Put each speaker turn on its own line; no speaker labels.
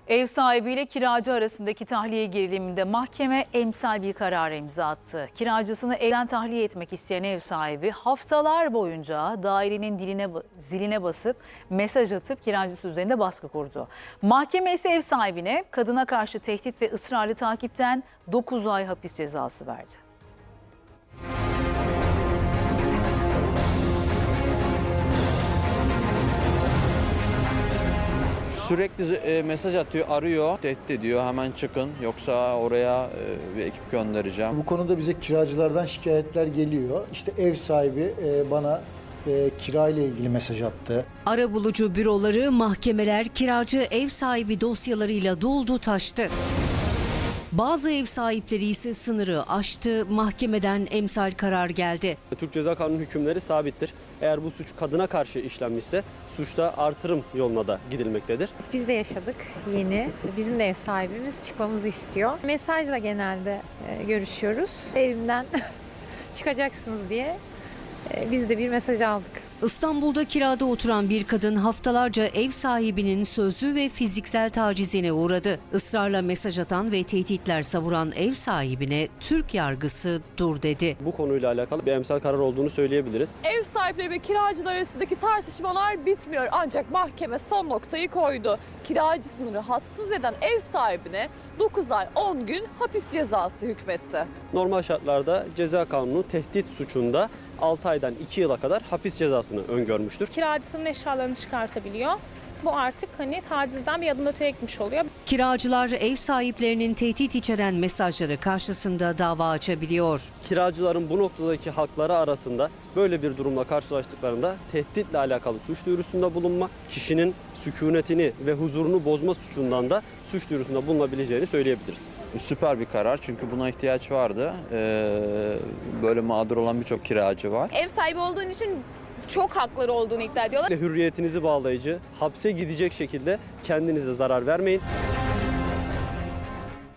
Ev sahibiyle kiracı arasındaki tahliye geriliminde mahkeme emsal bir karar imza attı. Kiracısını evden tahliye etmek isteyen ev sahibi haftalar boyunca dairenin ziline basıp mesaj atıp kiracısı üzerinde baskı kurdu. Mahkeme ise ev sahibine kadına karşı tehdit ve ısrarlı takipten 9 ay hapis cezası verdi.
Sürekli mesaj atıyor, arıyor, tehdit ediyor. Hemen çıkın yoksa oraya bir ekip göndereceğim.
Bu konuda bize kiracılardan şikayetler geliyor. İşte ev sahibi bana kira ile ilgili mesaj attı.
Arabulucu büroları, mahkemeler, kiracı ev sahibi dosyalarıyla doldu taştı. Bazı ev sahipleri ise sınırı aştı, mahkemeden emsal karar geldi.
Türk Ceza Kanunu hükümleri sabittir. Eğer bu suç kadına karşı işlenmişse suçta artırım yoluna da gidilmektedir.
Biz de yaşadık yeni. Bizim de ev sahibimiz çıkmamızı istiyor. Mesajla genelde görüşüyoruz. Evimden çıkacaksınız diye biz de bir mesaj aldık.
İstanbul'da kirada oturan bir kadın haftalarca ev sahibinin sözlü ve fiziksel tacizine uğradı. Israrla mesaj atan ve tehditler savuran ev sahibine Türk yargısı dur dedi.
Bu konuyla alakalı bir emsal karar olduğunu söyleyebiliriz.
Ev sahipleri ve kiracılar arasındaki tartışmalar bitmiyor ancak mahkeme son noktayı koydu. Kiracısını rahatsız eden ev sahibine 9 ay 10 gün hapis cezası hükmetti.
Normal şartlarda Ceza Kanunu tehdit suçunda 6 aydan 2 yıla kadar hapis cezasını öngörmüştür.
Kiracısının eşyalarını çıkartabiliyor. Bu artık tacizden bir adım öteye gitmiş oluyor.
Kiracılar ev sahiplerinin tehdit içeren mesajları karşısında dava açabiliyor.
Kiracıların bu noktadaki hakları arasında böyle bir durumla karşılaştıklarında tehditle alakalı suç duyurusunda bulunma, kişinin sükunetini ve huzurunu bozma suçundan da suç duyurusunda bulunabileceğini söyleyebiliriz.
Süper bir karar çünkü buna ihtiyaç vardı. Böyle mağdur olan birçok kiracı var.
Ev sahibi olduğun için çok hakları olduğunu iddia ediyorlar.
Hürriyetinizi bağlayıcı, hapse gidecek şekilde kendinize zarar vermeyin.